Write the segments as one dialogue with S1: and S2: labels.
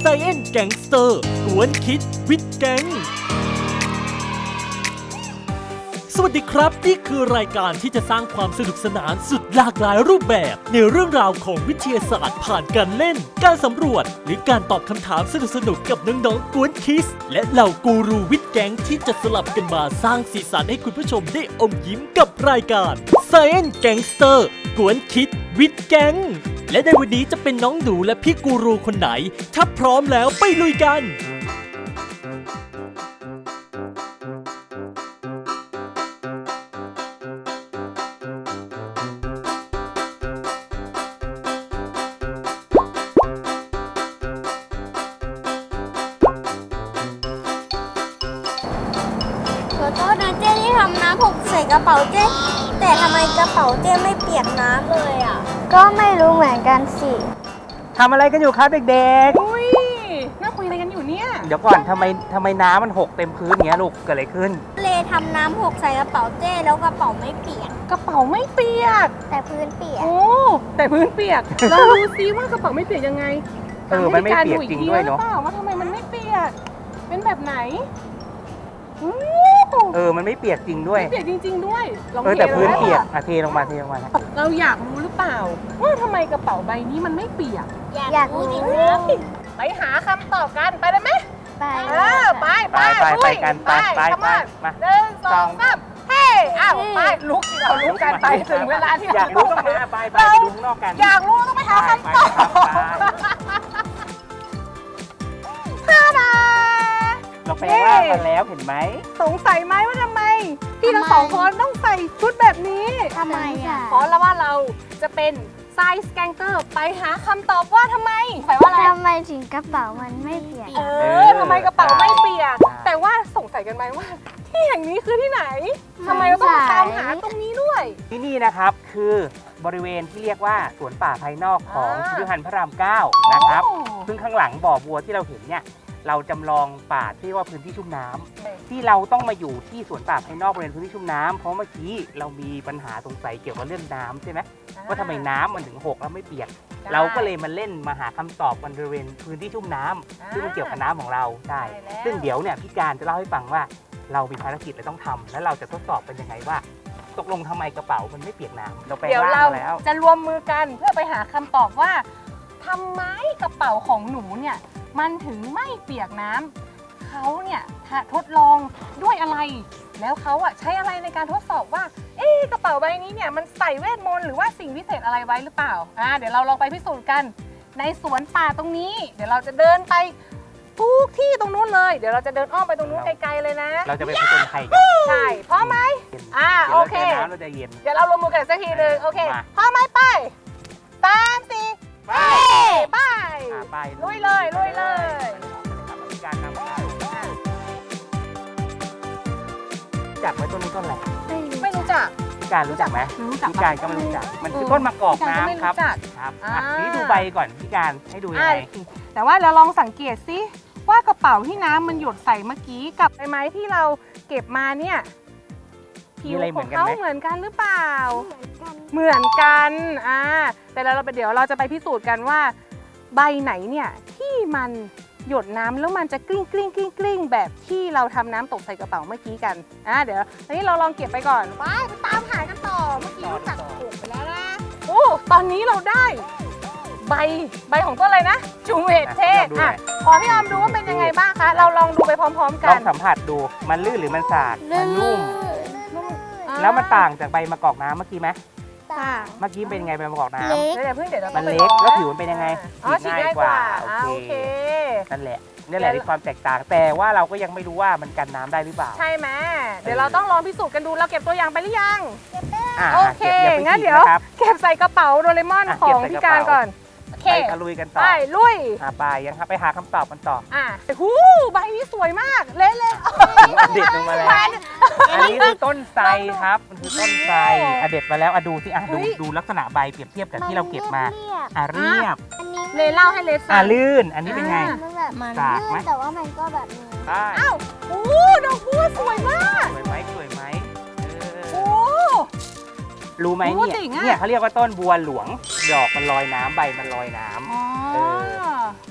S1: Science Gangster กวนคิดวิดแก๊งสวัสดีครับนี่คือรายการที่จะสร้างความสนุกสนานสุดหลากหลายรูปแบบในเรื่องราวของวิทยาศาสตร์ผ่านการเล่นการสำรวจหรือการตอบคำถามสนุกๆกับน้องๆกวนคิสและเหล่ากูรูวิดแก๊งที่จะสลับกันมาสร้างสีสันให้คุณผู้ชมได้อมยิ้มกับรายการ Science Gangster กวนคิดวิดแก๊งและในวันนี้จะเป็นน้องหนูและพี่กูรูคนไหนถ้าพร้อมแล้วไปลุยกัน
S2: ขอโทษนะเจ้ที่ทำน้ำหกใส่กระเป๋าเจ้แต่ทำไมกระเป๋าเจ้ไม่เปียกน้ำเลยอ่ะก็ไม่รู้เหมือนกันสิ
S3: ทำอะไรกันอยู่ครับเด็ก
S4: อุ้ยน่าคุยอะไรกันอยู่เนี่ย
S3: ๆ เดี๋ยวก่อนทำไมน้ำมันหกเต็มพื้นอย่างเงี้ยลูกเกิดอะไรขึ้น
S2: เลทำน้ำหกใส่กระเป๋าเจ้แล้วกระเป๋าไม่เปียก
S4: กระเป๋าไม่เปียก
S2: แต่พื้นเปียก
S4: โอ้แต่พื้นเปียก เราดูซิว่ากระเป๋าไม่เปียกยังไง
S3: มันไม่เปียกจริงด้วยเนาะ
S4: หรือเปล่าว่าทำไมมันไม่เปียก เป็นแบบไหนอู้
S3: มันไม่เปียกจริงด้วย
S4: ไม่เปียกจริงๆด้วยลอง
S3: แต่
S4: ท
S3: พื้น
S4: ล
S3: เปียกเทลงมานะ
S4: เราอยากรู้หรือเปล่าว่าทำไมกระเป๋าใบนี้มันไม่เปียก
S2: อยากรู้ดิครับ
S4: ไปหาคำตอบกันไปได้ไหม
S2: ไป
S3: ไปกันไป
S4: come on
S3: มา
S4: หนึ่งสองสามเฮ้อ้าวไปลุกสิเราลุกกันไปถึงเวลาที่
S3: อยากรู้ต้องมาไปดูข้างนอกกัน
S4: อยากรู้ต้องไปหาคำตอบท่าดา
S3: เราไปล่างมาแล้วเห็นไหม
S4: สงสัยไหมว่าทำไม พี่ทั้งสองคนต้องใส่ชุดแบบนี้
S2: ทำไมอ่ะ
S4: เพราะแล้วว่าเราจะเป็นไซส์แกงเกอร์ไปหาคำตอบว่าทำไมแปลว่าอะไร
S2: ทำไมถึงกระเป๋ามันไม่เปียก
S4: ทำไมกระเป๋าไม่เปียก แต่ว่าสงสัยกันไหมว่าที่แห่งนี้คือที่ไหนทำไมเราต้องมาตามหาตรงนี้ด้วย
S3: ที่นี่นะครับคือบริเวณที่เรียกว่าสวนป่าภายนอกของพิพิธภัณฑ์พระราม 9 นะครับ ซึ่งข้างหลังบ่อบัวที่เราเห็นเนี่ยเราจำลองป่าที่เรียกว่าพื้นที่ชุ่มน้ำที่เราต้องมาอยู่ที่สวนป่าภายนอกบริเวณพื้นที่ชุ่มน้ำเพราะเมื่อกี้เรามีปัญหาสงสัยเกี่ยวกับเรื่องน้ำใช่ไหมว่าทำไมน้ำมันถึงหกแล้วไม่เปียก เราก็เลยมาเล่นมาหาคำตอบกันบริเวณพื้นที่ชุ่มน้ำซึ่งมันเกี่ยวกับน้ำของเราใช่ซึ่งเดี๋ยวเนี่ยพี่การจะเล่าให้ฟังว่าเรามีภารกิจอะไรต้องทำแล้วเราจะทดสอบเป็นยังไงว่า ตกลงทำไมกระเป๋ามันไม่เปียกน้ำเราไป
S4: เดี๋ยว
S3: ล่าง
S4: เรา
S3: มาแล้ว
S4: จะรวมมือกันเพื่อไปหาคำตอบว่าทำไมกระเป๋าของหนูเนี่ยมันถึงไม่เปียกน้ำเขาเนี่ยทดลองด้วยอะไร แล้วเขาอะใช้อะไรในการทดสอบว่ากระเป๋าใบนี้เนี่ยมันใส่เวทมนต์หรือว่าสิ่งพิเศษอะไรไว้หรือเปล่าเดี๋ยวเราลองไปพิสูจน์กันในสวนป่าตรงนี้ เดี๋ยวเราจะเดินไปทุกที่ตรงนู้นเลยเดี๋ยวเราจะเดินอ้อมไปตรงนู้นไกลๆเลยนะ
S3: เราจะไปผจญภัยกัน
S4: ใช่พร้อมไหม
S3: เดี๋ยว
S4: โอ
S3: เรา
S4: เค
S3: เจอน้ำเราจะเย็น
S4: เดี๋ยวเราลงมือกันสักทีหนึ่งโอเค
S3: มา
S4: พร้อมไหมไปตามสิ
S3: ไป
S4: ไป
S3: ไป
S4: ลุยเลยลุยเลย
S3: มีการนำจักไหมต้นนี้ต้นอะไร
S4: ไม่รู้จัก
S3: พี่การรู้จักไหม
S4: รู้จัก
S3: พี่การก็ไม่รู้จักมันคือต้นมะกอก
S4: พี่การก็ไม่
S3: น้ำครับ
S4: รู้จัก
S3: ครับ
S4: อ่า
S3: นี่ดูใบก่อนพี่การให้ดูยังไง
S4: แต่ว่าเราลองสังเกตสิว่ากระเป๋าที่น้ำมันหยดใส่เมื่อกี้กับใบไม้ที่เราเก็บมาเนี่ยผิวของเขาเหมือนกันหรือเปล่า เหมือนกันแต่เดี๋ยวเราจะไปพิสูจน์กันว่าใบไหนเนี่ยที่มันหยดน้ำแล้วมันจะกลิ้งกลิ้งกลิ้งกลิ้งแบบที่เราทำน้ำตกใส่กระเป๋าเมื่อกี้กันเดี๋ยวตอนนี้เราลองเก็บไปก่อนไปตามหากันต่อเมื่อกี้รู้จักถูกไปแล้วนะโอ้ตอนนี้เราได้ใบของต้นอะไรนะจูเวตเทศขอพี่ออมดูว่าเป็นยังไงบ้างคะเราลองดูไปพร้อมๆ
S3: ล
S4: กั
S3: อน งสัมผัสดูมันลื่นหรือมันสาดมันนุ่มแล้วมันต่างจากใบมะกอกน้ำเมื่อกี้ไหมเมื่อกี้เป็นยังไงใบมะกอกน้ำ
S4: เดี๋ยวเพิ่งเดี๋ยวเรา
S3: มัน
S4: ไป
S3: เล็กแล้วผิวมันเป็นยังไง
S4: ฉีดง่ายกว่า
S3: โอ
S4: โอ
S3: เค
S4: เค
S3: นั่นแหละนี่แหละที่ความแตกต่างแต่ว่าเราก็ยังไม่รู้ว่ามันกันน้ำได้หรือเปล่า
S4: ใช่ไหมเดี๋ยวเราต้องลองพิสูจน์กันดูเราเก็บตัวอย่างไปหรือยัง
S3: อ่ะ
S4: โอเค
S3: ก็บ
S4: งั้นเดี๋ยว
S3: นะครับ
S4: เก็บใส่กระเป๋าโดเรมอน
S3: อ่ะ
S4: ของ
S3: เก็บใส่
S4: พี่
S3: กระ
S4: การ
S3: เป๋า
S4: ก่อนโอเค
S3: ไปตะลุยกันต่อ
S4: ไปลุย
S3: ไปยังครับไปหาคำตอบกันต่อ
S4: หูใบนี้สวยมากเละ
S3: เด็ดลงมาแล้ว อันนี้คือต้นไทรครับมันคือต้นไทรเด็ดมาแล้วดูสิดูลักษณะใบเปรียบเทียบกับที่เราเก็บมาเรียบ
S4: เลเล่าให้เลฟัง
S3: ลื่นอันนี้เป็นไง
S2: มันแบบมัน
S3: สากไหม
S2: แต่ว่ามันก็แบบนี้
S3: ได้
S4: อ้าวโอ้ดอกบัวสวยมาก
S3: สวยไหมสวยไหม
S4: โอ้
S3: รู้ไหม
S4: โอ้
S3: เนี่ย
S4: เจ๋งอะ
S3: เนี่ยเขาเรียกว่าต้นบัวหลวงดอกมันลอยน้ำใบมันลอยน้ำ
S4: อ๋อ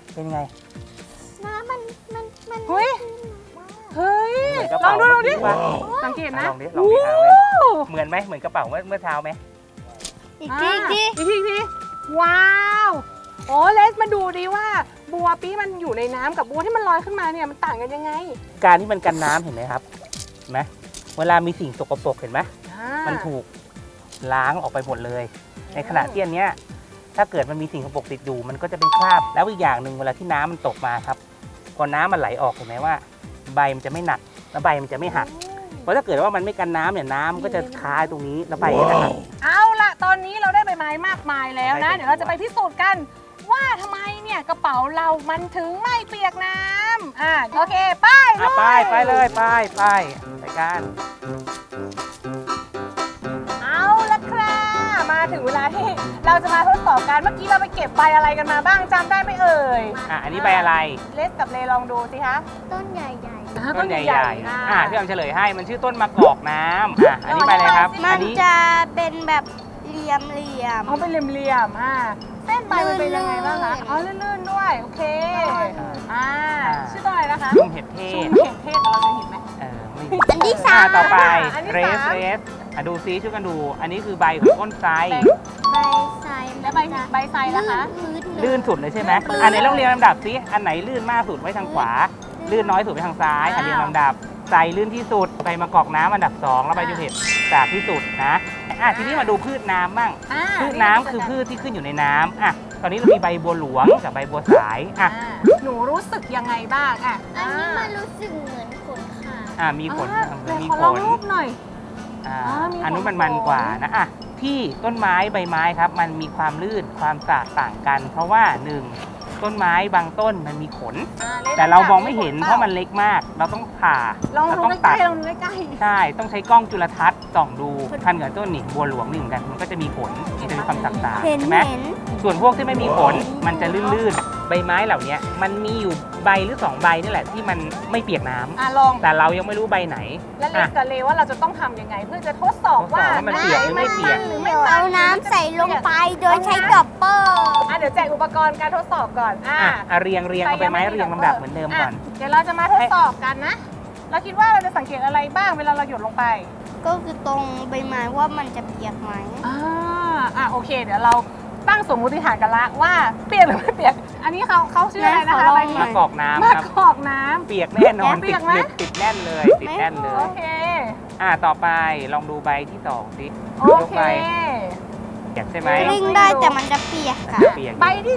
S3: เป็นไง
S2: น้ำมัน
S4: เฮ้ย เฮ้ย
S3: เหมือนกระ
S4: ลอง
S3: เป๋า
S4: ดูลองดิ
S3: เมื่อกี้ปะ
S4: สังเกตนะ
S3: ลองดิเอาไว้เหมือนไหมเหมือนกระเป๋าเมื่อเช้าไหม
S2: อีกที
S4: อีกทีว้าวโอ้เลสมาดูดิว่าบัวปี้มันอยู่ในน้ำกับบัวที่มันลอยขึ้นมาเนี่ยมันต่างกันยังไง
S3: การที่มันกันน้ำเห็นไหมครับเห็นไหมเวลามีสิ่งสกปรกเห็นไหม มันถูกล้างออกไปหมดเลย ในขณะที่อันเนี้ยถ้าเกิดมันมีสิ่งสกปรกติดอยู่มันก็จะเป็นคราบแล้วอีกอย่างหนึ่งเวลาที่น้ำมันตกมาครับพอน้ำมันไหลออกเห็นไหมว่า ใบมันจะไม่หนักแล้วใบมันจะไม่หักเพราะถ้าเกิดว่ามันไม่กันน้ำเนี่ยน้ำมันก็จะคาตรงนี้แล้วใบก็จะหัก
S4: เอาละตอนนี้เราได้ใบไม้มากมายแล้วนะ
S3: ได้
S4: เดี๋ยวเราจะไปพิสูจน์กัน ว่าทำไมเนี่ยกระเป๋าเรามันถึงไม่เปียกน้ำโอเคไป
S3: ไปเลยไปกัน
S4: เอาละครับมาถึงเวลาที่เราจะมาทดสอบกันเมื่อกี้เราไปเก็บใบอะไรกันมาบ้างจำได้ไหมเอ่ย
S3: อันนี้ใบอะไร
S4: เลสกับเลลองดูสิคะ
S2: ต้นใหญ่
S3: ต้นใหญ่ๆพี่ออมเฉลยให้มันชื่อต้นมะกอกน้ำอันนี้ใบอะไรครับ
S2: ๆ มั
S3: อั
S2: น
S3: นนี้
S2: จะเป็นแบบเหลี่ยม
S4: เขาเป็นเหลี่ยมๆเส้นใบมันเป็นยังไงบ้างคะอ๋อลื่นๆด้วยโอเคชื่อต้นอะไรนะคะ
S3: ชุ่มเห็ดเท
S4: ชุ่
S3: ศ
S4: มเห็ดเทศแต่เราจะเห็นไหม
S3: ไม่
S2: อันที่สาม
S3: ต่อไป
S4: อันที่
S3: เร
S4: สาม
S3: สดูซิช่วยกันดู อันนี้คือใบของต้นไทร
S2: ใบไซ
S4: และใบไซนะคะ
S3: ลื่นสุดเลยใช่ไหมอันไหนต้องเรียงลำดับซิอันไหนลื่นมากสุดไว้ทางขวา ลื่นน้อยสุดไปทางซ้ายอันเรียงลำดับไทรลื่นที่สุดใบมะกอกน้ำอันดับ 2 แล้วใบจุเห็ดจากที่สุดนะทีนี้มาดูพืชน้ำบ้างพืชน้ำคือพืชที่ขึ้นอยู่ในน้ำตอนนี้เรามีใบบัวหลวงกับใบบัวสาย
S4: หนูรู้สึกยังไงบ้าง
S2: อันนี้มันรู้สึกเหมือนขนขา
S3: มีขน
S4: มีขนลองรูปหน่อย
S3: อันนู้นมันกว่านะที่ต้นไม้ใบไม้ครับมันมีความลื่นความสะต่างกัน เพราะว่า1ต้นไม้บางต้นมันมีขนแต่เรามองไม่เห็นเพราะมันเล็กมากเราต้องผ่า
S4: ลอง
S3: เรา
S4: ดู
S3: ต้อง
S4: ใก
S3: ตั
S4: ล้
S3: ด
S4: ๆลองดูใกล้
S3: ใช่ต้องใช้กล้องจุลทรรศน์ส่องดูพันกับต้นนี่บัวหลวงนี่เหมือนกันมันก็จะมีขนมันจะมีความต่าง
S2: เห็น
S3: ใช่ไหม ส่วนพวกที่ไม่มีขนมันจะลื่นๆใบไม้เหล่านี้มันมีอยู่ใบหรือ2ใบนี่แหละที่มันไม่เปียกน้ำ
S4: ลอง
S3: แต่เรายังไม่รู้ใบไหน
S4: แล้วเลสกับเลว่าเราจะต้องทำยังไง เพื่อจะทดสอบว่า
S3: มันเปียกหรือไม่เปียก
S4: หรือไม่
S2: เอาน้ำใส่ลงไปโดยใช้ดอปเปอร์
S4: เดี๋ยวแจกอุปกรณ์การทดสอบก่อน
S3: เรียงเอาใบไม้เรียงลำดับเหมือนเดิมก่อน
S4: เดี๋ยวเราจะมาทดสอบกันนะเราคิดว่าเราจะสังเกตอะไรบ้างเวลาเราหยดลงไป
S2: ก็คือตรงใบไม้ว่ามันจะเปียกไหม
S4: โอเค เดี๋ยวเราตั้งสมมติฐานกันละว่าเปียกหรือไม่เปียก อันนี้เขาชื่ออะไรนะคะใบนี้
S3: มะกอกน้ำ
S4: มะ
S3: ครับ
S4: กอกน้ำ
S3: เปียกแน่นอน
S4: เปียกไหม
S3: ติดแน่นเลยติดแน่นเลย
S4: โอเค
S3: ต่อไปลองดูใบที่2สิ
S4: โอย
S3: ก
S4: เค
S3: ใบเปียกใช่ไหม
S2: กลิ้งได้แต่มันจะเปียกค่ะ
S3: เปียก
S4: ใบที่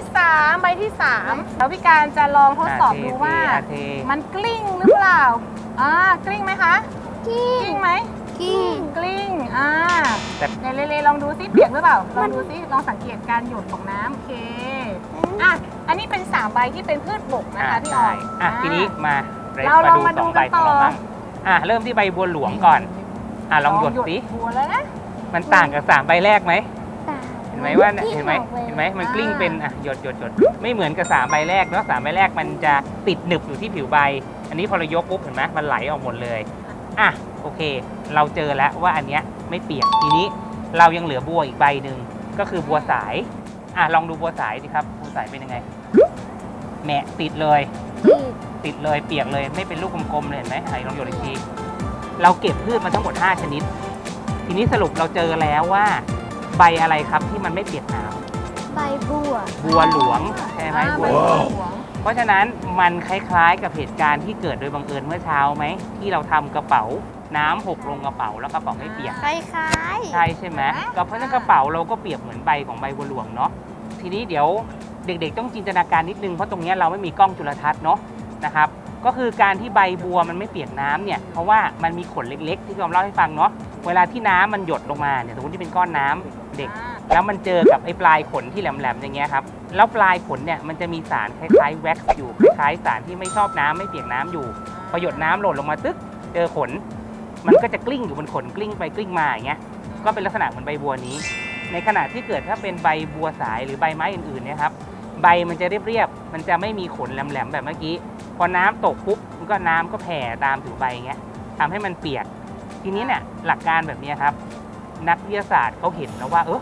S4: 3แล้วพี่การจะลองทดสอบดูว่า
S3: เท
S4: มันกลิ้งหรือเปล่ากลิ้งไหมคะ กลิ้งไหม
S2: กิ้ง
S4: กลิ้ง
S3: แต่
S4: เดี๋ยวเลลองดูซิเปียกหรือเปล่า ลองดูซิ ลองสังเกตการหยดของน้ำโอเค อันนี้เป็น3ใบที่เป็นพืชบกนะคะพี่ออย
S3: ทีนี้มา
S4: เราลองมาดู
S3: 2ใบ
S4: กัน
S3: ของ
S4: ต่อ
S3: เราบ้างเริ่มที่ใบบัวหลวงก่อนลองหยดสิ
S4: บัวแล้วนะ
S3: มันต่างกับ3ใบแรกไหมเห็นไหมว่าเห็นไหมมันกลิ้งเป็นหยดไม่เหมือนกับ3ใบแรกเนาะ3ใบแรกมันจะติดหนึบอยู่ที่ผิวใบ อันนี้พอเรายกปุ๊บเห็นไหมมันไหลออกหมดเลยโอเค เราเจอแล้วว่าอันเนี้ยไม่เปียกทีนี้เรายังเหลือบัวอีกใบหนึ่งก็คือบัวสายลองดูบัวสายสิครับบัวสายเป็นยังไงแหมะติดเลยเปียกเลยไม่เป็นลูกกลมๆเลยเห็นไหมลองหยดอีกทีเราเก็บพืชมาทั้งหมด5ชนิดทีนี้สรุปเราเจอแล้วว่าใบอะไรครับที่มันไม่เปียกน้ำ
S2: ใบบัว
S3: บัวหลวงใช่ไหมบัวหลวงเพราะฉะนั้นมันคล้ายๆกับเหตุการณ์ที่เกิดโดยบังเอิญเมื่อเช้าไหมที่เราทำกระเป๋าน้ำหกลงกระเป๋าแล้วกระเป๋าไม่เปียก
S2: คล้ายๆ
S3: ใช่ใช่ไหมก็เพราะฉะนั้นกระเป๋าเราก็เปียกเหมือนใบของใบบัวหลวงเนาะทีนี้เดี๋ยวเด็กๆต้องจินตนาการนิดนึงเพราะตรงนี้เราไม่มีกล้องจุลทรรศน์เนาะนะครับก็คือการที่ใบบัวมันไม่เปียกน้ำเนี่ยเพราะว่ามันมีขนเล็กๆที่ผมเล่าให้ฟังเนาะเวลาที่น้ำมันหยดลงมาเนี่ยสมมติที่เป็นก้อนน้ำเด็กแล้วมันเจอกับไอ้ปลายขนที่แหลมๆอย่างเงี้ยครับแล้วปลายขนเนี่ยมันจะมีสารคล้ายๆแว็กซ์อยู่คล้ายๆสารที่ไม่ชอบน้ำไม่เปียกน้ำอยู่พอหยดน้ำหล่นลงมาตึ๊กเจอขนมันก็จะกลิ้งอยู่บนขนกลิ้งไปกลิ้งมาอย่างเงี้ยก็เป็นลักษณะเหมือนใบบัวนี้ในขณะที่เกิดถ้าเป็นใบบัวสายหรือใบไม้อื่นๆเนี่ยครับใบมันจะเรียบๆมันจะไม่มีขนแหลมๆแบบเมื่อกี้พอน้ำตกปุ๊บมันก็น้ำก็แผ่ตามผิวใบอย่างเงี้ยทำให้มันเปียกทีนี้เนี่ยหลักการแบบนี้ครับนักวิทยาศาสตร์เขาเห็นแล้วว่า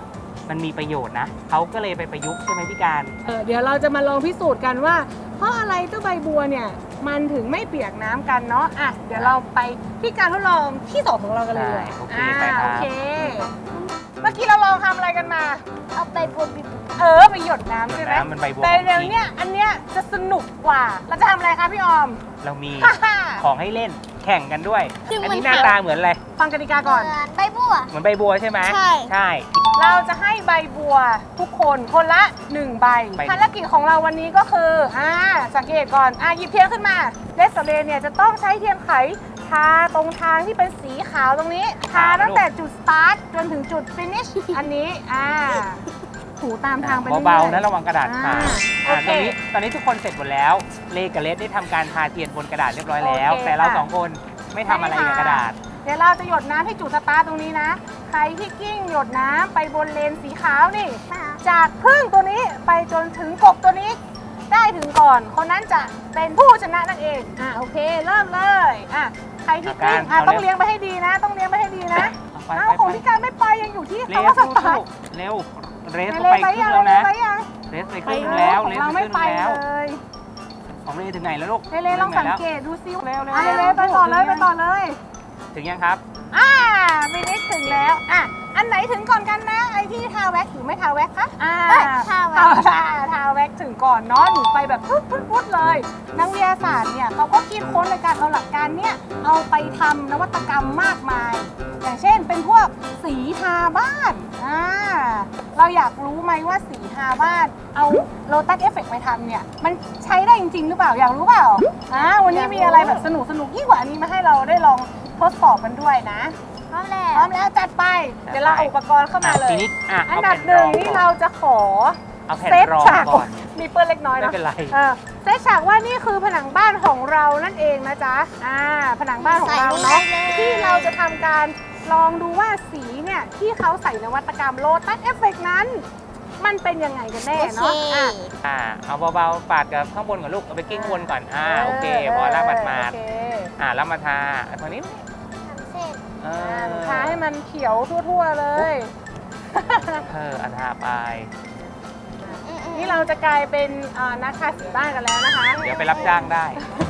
S3: มันมีประโยชน์นะเขาก็เลยไปประยุกต์ใช่ไหมพี่การ
S4: เดี๋ยวเราจะมาลองพิสูจน์กันว่า เพราะอะไรเจ้าใบบัวเนี่ยมันถึงไม่เปียกน้ำกันเนาะอ่ะเดี๋ยวเราไปที่การทดลองที่สองของเรากันเลย
S3: โอเคไปครับ
S4: โอเคเมื่อกี้เราลองทำอะไรกันมา
S2: เอาไปบนบิบ
S4: ไปหยดน้ำใช่ไหม
S3: น้ำมันใบบัว
S4: แต่
S3: ของ
S4: เดี๋ยว
S3: จริง
S4: เนี้ยอันเนี้ยจะสนุกกว่าเราจะทำอะไรคะพี่ออม
S3: เรามีของให้เล่นแข่งกันด้วย
S2: ซึ่ง
S3: อัน
S2: มัน
S3: นี้หน้าตาเหมือนอะไร
S4: ฟังกติกาก่อน
S2: ใบบัว
S3: เหมือนใบบัวใช่ไหม
S2: ใช่
S3: ใช่
S4: เราจะให้ใบบัวทุกคนคนละ1ใบ
S3: ใบ
S4: ภารกิจของเราวันนี้ก็คือสังเกตก่อนหยิบเทียนขึ้นมาเลสเลเนี่ยจะต้องใช้เทียนไขทาตรงทางที่เป็นสีขาวตรงนี้ทาตั้งแต่จุดสตาร์ทจนถึงจุดฟินิชอันนี้ถูตามทางไปเรื่อยๆ
S3: เบาๆนะระวังกระดาษขาด
S4: โอเค
S3: ตอนนี้ทุกคนเสร็จหมดแล้วเลกับเลสได้ทำการทาเทียนบนกระดาษเรียบร้อยแล้ว
S4: โอเค
S3: แต่เรา
S4: ค่ะ
S3: สองคนไม่ทำอะไรกับกระดาษ
S4: เดี๋ยวเราจะหยดน้ำให้จุดสตาร์ทตรงนี้นะ ใครที่กิ้งหยดน้ำไปบนเลนสีขาวนี่ จากพึ่งตัวนี้ไปจนถึงกบตัวนี้ ได้ถึงก่อน คนนั้นจะเป็นผู้ชนะนั่นเองโอเคเริ่มเลยใครที่กิ้ง
S3: เอา
S4: ต้อง
S3: เร็ว
S4: เลี้ยงไปให้ดีนะ ต้องเลี้ยงไปให้ดีนะ
S3: ไป
S4: ของพี่การไม่ไปยังอยู่ที่
S3: เร็ว
S4: คำว่าสตาร์ท
S3: เร็วเรส
S4: เล
S3: ไป
S4: ย
S3: ครึ่ง
S4: ยัง
S3: แล้วนะ
S4: ไปยัง
S3: เรสไปครึ่งแล้ว
S4: ข
S3: เร
S4: อง
S3: ส
S4: เรา
S3: ไปค
S4: ไม่
S3: รึ่ง
S4: ไป
S3: แล้ว
S4: เลย
S3: ของเลถึงไหนแล้วลูก
S4: เลลองสังเกตดูซิเร็วไป
S3: ถึง
S4: ต่อเลยไปต่อเลย
S3: ถึงยังครับ
S4: ฟินิชถึงแล้วอันไหนถึงก่อนกันนะไอที่ทาแว็กหรือไม่ทาแว็กคะ
S2: ทาแว็ก
S4: ทาแว็กถึงก่อนเนาะหนูไปแบบพุดเลยนักวิทยาศาสตร์เนี่ยเขาก็คิดค้นในการเอาหลักการเนี่ยเอาไปทำนวัตกรรมมากมาย อย่างเช่นเป็นพวกสีทาบ้านเราอยากรู้ไหมว่าสีทาบ้านเอาโลตัสเอฟเฟกต์ไปทำเนี่ยมันใช้ได้จริงๆหรือเปล่าอยากรู้เปล่าวันนี้มีอะไรแบบสนุกยิ่งกว่านี้มาให้เราได้ลองทดสอบกันด้วยนะ
S2: พร้อมแล้ว
S4: พร้อมแล้วจัดไป เดี๋ยวเราเอาอุปกรณ์เข้ามาเลย
S3: ทีนี้
S4: อั
S3: อัน
S4: ดับหนึ่งนี่เราจะขอ
S3: เอาแผ่น
S4: เซต
S3: รอง
S4: ฉาก
S3: ก่อน
S4: มีเปื้อนเล็กน้อย
S3: ไม่
S4: นะ
S3: เป็นไร
S4: เซตฉากว่านี่คือผนังบ้านของเรานั่นเองนะจ๊ะผนังบ้านของเราเนาะที่เราจะทำการลองดูว่าสีเนี่ยที่เขาใส่นวัตกรรมโลตัสเอฟเฟกนั้น มันเป็นยังไงกันแน่เนาะ
S3: เอาเบาๆปาดกับข้างบนก่อนลูกเอาไปกิ้งวนก่อนโอเคพอแล้วมาด
S4: โอเค
S3: แล้วมาทาตรงนี้
S2: เสร็จ
S4: ทาให้มันเขียวทั่วๆเลย
S3: อันทาไป
S4: นี่เราจะกลายเป็นนักทาสีบ้านกันแล้วนะคะ
S3: เดี๋ยวไปรับจ้างได้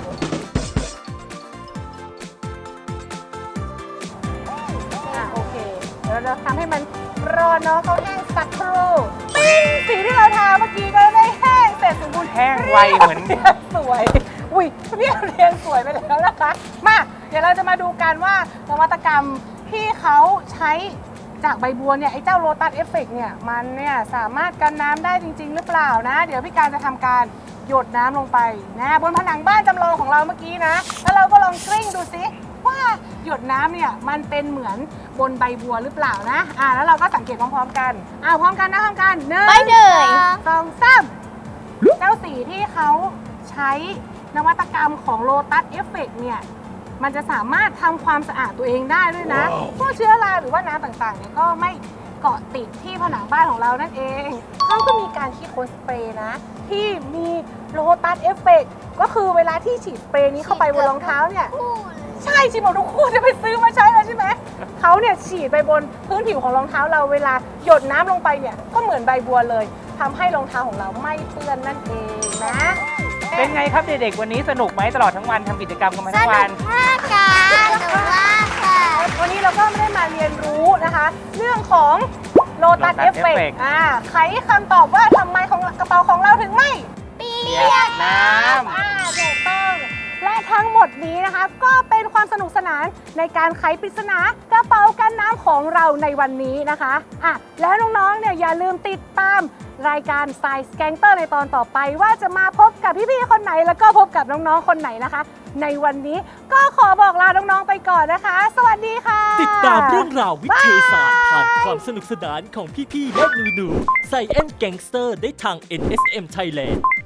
S4: โอเค เดี๋ยวเราทำให้มันรอน้องเขาแห้งสักครู่ปิ้งสีที่เราทาเมื่อกี้ก็ได้แห้งเสร็จสมบูรณ์
S3: แห้งไวเหมือน
S4: สวย อุ้ยพี่เรียนสวยไปแล้วนะคะ มาเดี๋ยวเราจะมาดูกันว่านวัตกรรมที่เขาใช้จากใบบัวเนี่ยไอ้เจ้าโลตัสเอฟเฟกเนี่ยมันเนี่ยสามารถกันน้ำได้จริง ๆ หรือเปล่านะ เดี๋ยวพี่การจะทำการหยดน้ำลงไปนะบนผนังบ้านจำลองของเราเมื่อกี้นะแล้วเราก็ลองกลิ้งดูสิว่าหยดน้ำเนี่ยมันเป็นเหมือนบนใบบัวหรือเปล่านะแล้วเราก็สังเกตพร้อมๆกันพร้อมกันนะพร้อมกัน1
S2: ไปเลย
S4: 2 3เจ้าสีที่เขาใช้นวัตกรรมของโลตัสเอฟเฟกเนี่ยมันจะสามารถทำความสะอาดตัวเองได้ด้วยนะพวกเชื้อราหรือว่าน้ำต่างๆเนี่ยก็ไม่เกาะติดที่ผนังบ้านของเรานั่นเองเขาก็มีการคิดค้นสเปรย์นะที่มีโลตัสเอฟเฟกก็คือเวลาที่ฉีดสเปรย์นี้เข้าไปบนรองเท้าเนี่ยใช่ฉีดหมดทุกคู่จะไปซื้อมาใช้เลยใช่ไหมเขาเนี่ยฉีดไปบนพื้นผิวของรองเท้าเราเวลาหยดน้ำลงไปเนี่ยก็เหมือนใบบัวเลยทำให้รองเท้าของเราไม่เปื้อนนั่นเองนะ
S3: เป็นไงครับเด็กๆวันนี้สนุกไหมตลอดทั้งวันทำกิจกรรมกันมา
S2: ส
S3: ทั้ง
S2: นุ
S3: วั
S2: ก
S3: น
S2: มากค่ะสนุกมากค่ะ
S4: วันนี้เราก็ไม่ได้มาเรียนรู้นะคะ เรื่องของโลตัส
S3: Lotus
S4: เอฟเฟก
S3: Effect
S4: ไขคำตอบว่าทำไมของกระเป๋าของเราถึงไม่
S2: เปี
S3: เปี
S2: ย
S3: ย
S2: ก
S3: กน้ำ
S4: ถูกต้อง และทั้งหมดนี้นะคะ ก็เป็นความสนุกสนานในการไขปริศนากระเป๋ากันน้ำของเราในวันนี้นะคะแล้วน้องๆเนี่ยอย่าลืมติดตามรายการ Science Gangster ในตอนต่อไปว่าจะมาพบกับพี่ๆคนไหนแล้วก็พบกับน้องๆคนไหนนะคะ ในวันนี้ก็ขอบอกลาน้องๆไปก่อนนะคะ สวัสดีค่ะ
S1: ติดตามเรื่องราววิทยาศาสตร์ผ่านความสนุกสนานของพี่ๆและหนูๆใส่แอนแก๊งสเตอร์ได้ทาง NSM Thailand